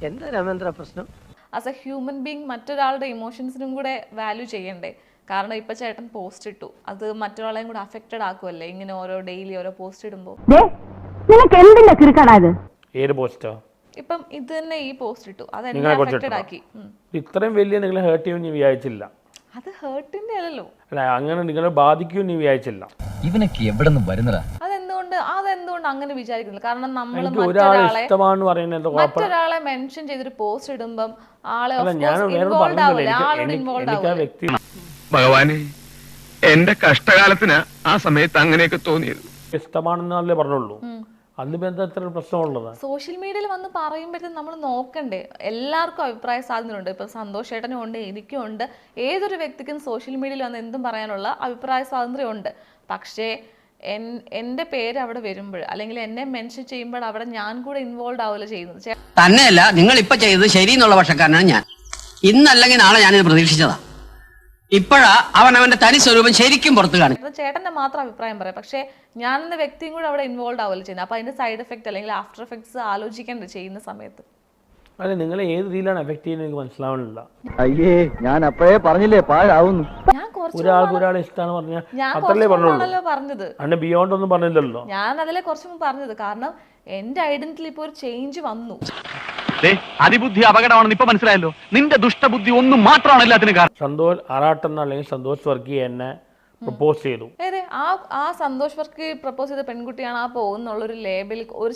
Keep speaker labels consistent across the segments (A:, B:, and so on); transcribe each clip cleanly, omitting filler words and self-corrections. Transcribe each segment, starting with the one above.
A: എന്താ രാമേന്ദ്ര പ്രശ്നം?
B: As A human being മറ്റൊരാളുടെ ഇമോഷൻസിനും കൂടെ വാല്യൂ ചെയ്യണ്ടേ? കാരണം ഇപ്പൊ ചേട്ടൻ പോസ്റ്റ് ഇട്ടു, അത് മറ്റൊരാളെയും കൂടെ അഫക്റ്റഡ് ആക്കുമല്ലേ ഇങ്ങനെ ഓരോ ഡെയിലി ഓരോ പോസ്റ്റ് ഇടുമ്പോൾ. ഇപ്പം ഇത് തന്നെ ഈ പോസ്റ്റ് ഇട്ടു, അത് എന്നെ അഫക്റ്റഡ് ആക്കി.
C: ഇത്രയും വലിയ നിങ്ങളെ ഹേർട്ട് ചെയ്യുമെന്ന് ഞാൻ വിചാരിച്ചില്ല.
B: അത് ഹേർട്ടിന്റെ അല്ലല്ലോ,
C: അല്ല അങ്ങനെ നിങ്ങളെ ബാധിക്കുമെന്ന് വിചാരിച്ചില്ല.
D: ഇവനൊക്കെ എവിടെ നിന്ന് വരുന്നതാ?
B: അതെന്തുകൊണ്ട് അങ്ങനെ വിചാരിക്കുന്നില്ല? കാരണം നമ്മൾ മറ്റൊരാളെ മെൻഷൻ ചെയ്തൊരു പോസ്റ്റ് ഇടുമ്പം ആളെ ഇൻവോൾവ് ആവില്ല.
E: ഭഗവാനെ, എന്റെ കഷ്ടകാലത്തിന് ആ സമയത്ത് അങ്ങനെയൊക്കെ തോന്നിയത്.
C: ഇഷ്ടമാണെന്നല്ലേ പറഞ്ഞുള്ളൂ. അതിന് എന്താ ഇത്ര പ്രശ്നമുള്ളത്?
B: സോഷ്യൽ മീഡിയയിൽ വന്ന് പറയുമ്പോഴത്തേക്കും നമ്മൾ നോക്കണ്ടേ? എല്ലാവർക്കും അഭിപ്രായ സ്വാതന്ത്ര്യമുണ്ട്. ഇപ്പം സന്തോഷ് ചേട്ടനും ഉണ്ട്, എനിക്കും ഉണ്ട്. ഏതൊരു വ്യക്തിക്കും സോഷ്യൽ മീഡിയയിൽ വന്ന് എന്തും പറയാനുള്ള അഭിപ്രായ സ്വാതന്ത്ര്യമുണ്ട്. പക്ഷേ എൻ്റെ പേര് അവിടെ വരുമ്പോൾ അല്ലെങ്കിൽ എന്നെ മെൻഷൻ ചെയ്യുമ്പോൾ അവിടെ ഞാൻ കൂടെ ഇൻവോൾവ് ആവുമല്ലോ ചെയ്യുന്നത്.
F: തന്നെയല്ല, നിങ്ങൾ ഇപ്പൊ ചെയ്തത് ശരി എന്നുള്ള പക്ഷക്കാരനാണ് ഞാൻ. ഇന്നല്ലെങ്കിൽ നാളെ ഞാനിത് പ്രതീക്ഷിച്ചതാ. ഇപ്പോഴാ അവന്റെ തനി സ്വരൂപം ശരിക്കും പുറത്തു കാണിക്കും.
B: ചേട്ടന്റെ മാത്രം അഭിപ്രായം പറയാം, പക്ഷെ ഞാൻ എന്ന വ്യക്തിയും കൂടെ അവിടെ ഇൻവോൾവ് ആവുമല്ലോ ചെയ്യുന്നത്. അപ്പൊ അതിന്റെ സൈഡ് എഫക്ട് അല്ലെങ്കിൽ ആഫ്റ്റർ എഫക്ട്സ് ആലോചിക്കേണ്ട ചെയ്യുന്ന സമയത്ത്.
C: അല്ല, നിങ്ങളെ ഏത് രീതിയിലാണ് എഫക്ട് ചെയ്യുന്നത് എനിക്ക് മനസ്സിലാവണില്ല.
D: അയ്യേ, ഞാൻ അപ്പോഴേ പറഞ്ഞില്ലേ പാഴാവുന്നു.
C: ഒരാൾ ഇഷ്ടമാണ് പറഞ്ഞത് അന്നെ ബിയോണ്ട് ഒന്നും പറഞ്ഞില്ലല്ലോ.
B: ഞാൻ അതിലെ കുറച്ച് മുമ്പ് പറഞ്ഞത് കാരണം എന്റെ ഐഡന്റിറ്റിയിൽ ഇപ്പൊ ഒരു ചേഞ്ച് വന്നു.
E: അതിബുദ്ധി അപകടമാണെന്ന് ഇപ്പൊ മനസ്സിലായല്ലോ. നിന്റെ ദുഷ്ടബുദ്ധി ഒന്നും മാത്രമാണ് എല്ലാത്തിനും കാരണം.
C: സന്തോഷ് ആറാട്ടെന്ന അല്ലെങ്കിൽ സന്തോഷ് വർഗീയ എന്നെ പ്രപ്പോസ് ചെയ്തു.
B: ആ സന്തോഷ് വർഗീയ പ്രപ്പോസ് ചെയ്ത പെൺകുട്ടിയാണ് ആ പോകുന്നുള്ളൊരു ലേബിൾ ഒരു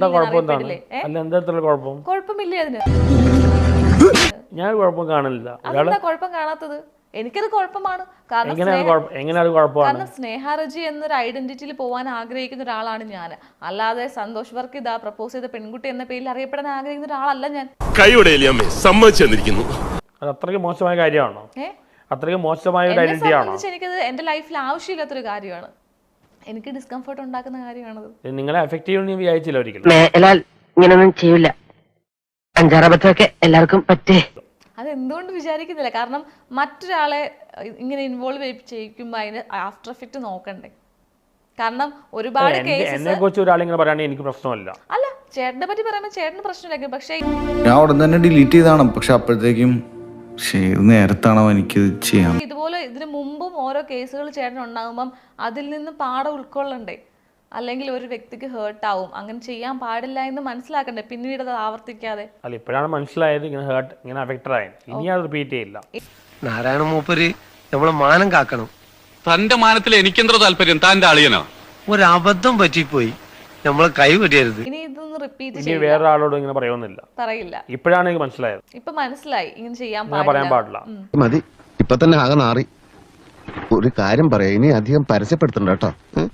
B: കുഴപ്പമില്ല. അതിന്
C: ഞാൻ കുഴപ്പം കാണില്ല.
B: കുഴപ്പം കാണാത്തത് എനിക്കത് കുഴപ്പമാണ്. കാരണം സ്നേഹാരജി എന്നൊരു ഐഡന്റിറ്റിയിൽ പോകാൻ ആഗ്രഹിക്കുന്ന ഒരാളാണ് ഞാൻ. അല്ലാതെ സന്തോഷ് വർക്ക് ഇതാ പ്രപ്പോസ് ചെയ്ത പെൺകുട്ടി എന്ന പേരിൽ അറിയപ്പെടാൻ ആഗ്രഹിക്കുന്ന ഒരാളല്ല ഞാൻ.
C: അത് അത്രയ്ക്ക് മോശമായ കാര്യമാണോ? അത്രയ്ക്ക് മോശമായ ഒരു ഐഡന്റിറ്റി ആണോ?
B: എനിക്കത് എന്റെ ലൈഫിൽ ആവശ്യമില്ലാത്തൊരു കാര്യമാണ്. എനിക്ക് ഡിസ്കംഫർട്ട് ഉണ്ടാക്കുന്ന കാര്യമാണത്.
C: നിങ്ങളെ എഫക്ട് ചെയ്യുമെന്ന് വിചാരിച്ചില്ല ഒരിക്കലും.
A: ഇങ്ങനൊന്നും ചെയ്യില്ല. അഞ്ചാറബത്തൊക്കെ എല്ലാവർക്കും പറ്റേ.
B: അതെന്തുകൊണ്ട് വിചാരിക്കുന്നില്ല? കാരണം മറ്റൊരാളെ ഇങ്ങനെ ഇൻവോൾവ് ചെയ്യിക്കുമ്പോൾ അതിന് ആഫ്റ്റർ എഫക്ട് നോക്കണ്ടേ? കാരണം ഒരുപാട്
C: എന്നെ കുറിച്ച് ഒരാളിങ്ങനെ പറയാണെങ്കിൽ എനിക്ക് പ്രശ്നമല്ല.
B: അല്ല, ചേട്ടനെ പറ്റി പറയുമ്പോൾ ചേട്ടന് പ്രശ്നമില്ല. പക്ഷേ
G: ഞാൻ ഉടൻ തന്നെ ഡിലീറ്റ് ചെയ്താണ്. പക്ഷെ അപ്പോഴത്തേക്കും നേരത്താണോ എനിക്ക് ചെയ്യാം.
B: ഇതുപോലെ ഇതിനു മുമ്പും ഓരോ കേസുകൾ ചേട്ടൻ ഉണ്ടാകുമ്പം അതിൽ നിന്ന് പാഠം ഉൾക്കൊള്ളണ്ടേ? അല്ലെങ്കിൽ ഒരു വ്യക്തിക്ക് ഹേർട്ട് ആവും, അങ്ങനെ ചെയ്യാൻ പാടില്ല എന്ന് മനസ്സിലാക്കണ്ടേ? പിന്നീട് അത് ആവർത്തിക്കാതെ.
C: അല്ല, ഇപ്പോഴാണ് മനസ്സിലായത് ഇങ്ങനെ അഫക്റ്റഡ് ആയത്. ഇനി അത് റിപ്പീറ്റ് ചെയ്യില്ല.
H: നാരായണ മൂപ്പര് നമ്മളെ മാനം കാക്കണം.
E: തന്റെ മാനത്തിൽ എനിക്കെന്തോ താല്പര്യം, താന്റെ അളിയനോ?
H: ഒരബദ്ധം പറ്റിപ്പോയി, നമ്മളെ കൈ വെടിയരുത്.
B: ഇനി ഇതൊന്നും റിപ്പീറ്റ്
C: ഇനി വേറെ ആളോട് ഇങ്ങനെ പറയില്ല. ഇപ്പോഴാണ് എനിക്ക് മനസ്സിലായത്.
B: ഇപ്പൊ മനസ്സിലായി ഇങ്ങനെ ചെയ്യാൻ
C: പാടില്ല.
I: മതി, ഇപ്പൊ തന്നെ ആകെ നാറി. ഒരു കാര്യം പറയാം, ഇനി അധികം പരസ്യപ്പെടുത്തണ്ട കേട്ടോ.